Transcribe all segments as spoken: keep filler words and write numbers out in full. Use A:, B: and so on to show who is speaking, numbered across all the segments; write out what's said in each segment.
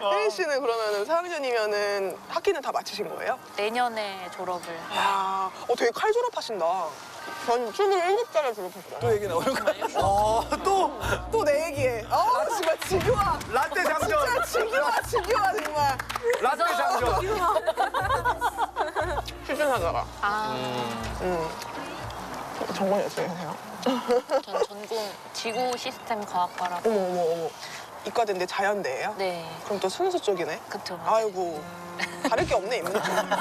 A: 혜린 씨는 그러면은 사 학년이면은 학기는 다 마치신 거예요?
B: 내년에 졸업을.
A: 아, 어 되게 칼 졸업하신다. 전 스물일곱 살에 졸업했어요.
C: 또 얘기 나오는 거야? 어, 또
A: 또 내 얘기에. 아 정말 지겨워.
C: 라떼 장전.
A: 진짜 지겨워 지겨워 정말.
C: 라떼 장전.
A: 출전하다가.
B: 아,
A: 음. 전공이 어떻게 되세요?
B: 전 전공 지구 시스템 과학과라고.
A: 어머 어머 어머. 이과대인데 자연대예요?
B: 네,
A: 그럼 또 순수 쪽이네.
B: 그쵸.
A: 아이고 다를 게 없네 인문.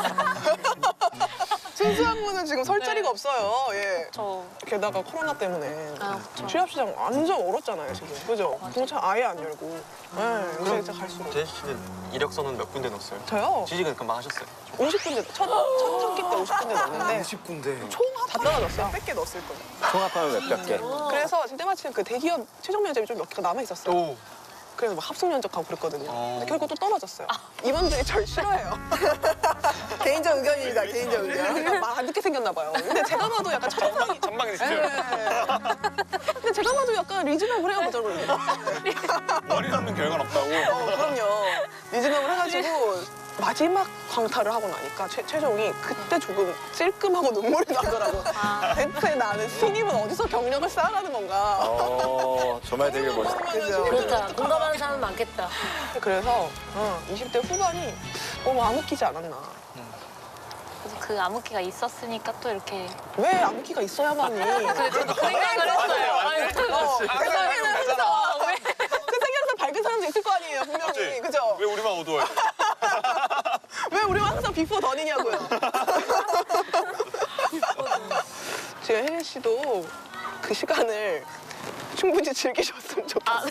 A: 순수 학문은 지금 설 자리가 없어요. 예.
B: 저
A: 게다가 코로나 때문에
B: 아, 그쵸.
A: 취업 시장 완전 얼었잖아요 지금. 그죠? 동창 아예 안 열고. 네, 요새 진짜 갈수록.
D: 제시 씨는 이력서는 몇 군데 넣었어요?
A: 저요?
D: 취직은 금방 하셨어요.
A: 오십 군데 첫, 첫 학기 때 오십 군데 넣었는데
C: 오십 군데.
A: 총 다 떨어졌어요. 백 개 넣었을 거예요.
E: 통합하면 몇백 개.
A: 그래서 지금 때마침 그 대기업 최종 면접이 좀 몇 개가 남아 있었어요.
D: 오.
A: 그래서 막 합숙 면접하고 그랬거든요.
D: 어.
A: 근데 결국 또 떨어졌어요. 이분들이 절 싫어해요. 개인적 의견입니다. 개인적 의견. 말 안 듣게 생겼나 봐요. 근데 제가 봐도 약간 첫인상이
D: 전망이 진짜.
A: 네. 근데 제가 봐도 약간 리즈너블 해요, 그죠?
D: 머리 남는 결과는 없다고.
A: 어, 그럼요. 리즈너블 해가지고 마지막 광탈을 하고 나니까 최, 최종이 그때 조금 찔끔하고 눈물이 나더라고.
B: 아.
A: 대체 나는 신입은 어디서 경력을 쌓아가는 건가.
E: 어, 정말 되게 멋있다.
A: 그죠?
F: 그렇다. 공감하는 사람 많겠다.
A: 그래서 어, 이십 대 후반이 너무 암흑기지 않았나.
B: 그래서 그 암흑기가 있었으니까 또 이렇게.
A: 왜 암흑기가 있어야만이.
B: 그 저도 그 생각을 했어요. 아니,
A: 어, 그 생각을 했어.
B: 왜?
A: 그 세계에서 밝은 사람도 있을 거 아니에요, 분명히. 그죠?
D: 왜 우리만 어두워요?
A: 왜 우리가 항상 비포 던이냐고요. 지금 혜린 씨도 그 시간을 충분히 즐기셨으면 좋겠어요.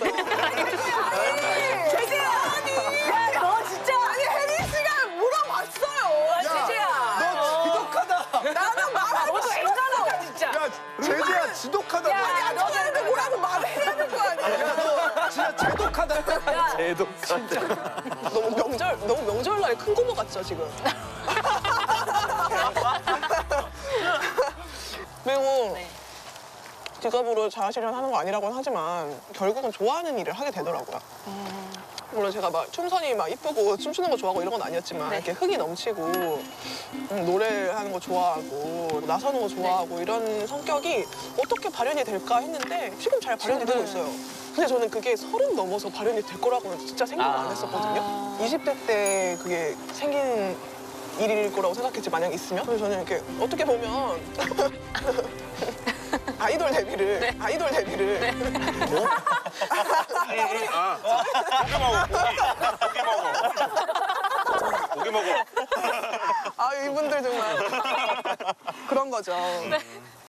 A: 제재야! 아니! 야, 너 진짜! 아니, 혜린 씨가 물어봤어요! 제재야!
C: 너 지독하다.
A: 나는 말하고 싶어!
F: 진짜.
C: 야, 제재야 지독하다. 너.
A: 아니, 너한테 뭐라고 말을 해야 될 거 아니야.
C: 야, 너 진짜 제독하다.
E: 제독하다.
A: 너무 명절, 너무 명절날 큰 고모 같죠, 지금? 그리고
B: 네.
A: 직업으로 자아실현 하는 거 아니라고는 하지만 결국은 좋아하는 일을 하게 되더라고요. 물론 제가 막 춤선이 막 이쁘고 춤추는 거 좋아하고 이런 건 아니었지만
B: 네.
A: 이렇게 흥이 넘치고 음, 노래하는 거 좋아하고 나서는 거 좋아하고 이런 성격이 어떻게 발현이 될까 했는데 지금 잘 발현이 되고 있어요. 근데 저는 그게 서른 넘어서 발현이 될 거라고는 진짜 생각을 안 했었거든요. 이십 대 때 그게 생긴 일일 거라고 생각했지 만약 있으면. 그래서 저는 이렇게 어떻게 보면 아이돌 데뷔를 아이돌 데뷔를
D: 아, 고기 먹어, 고기. 고기 먹어. 고기 먹어.
A: 아 이분들 정말 그런 거죠.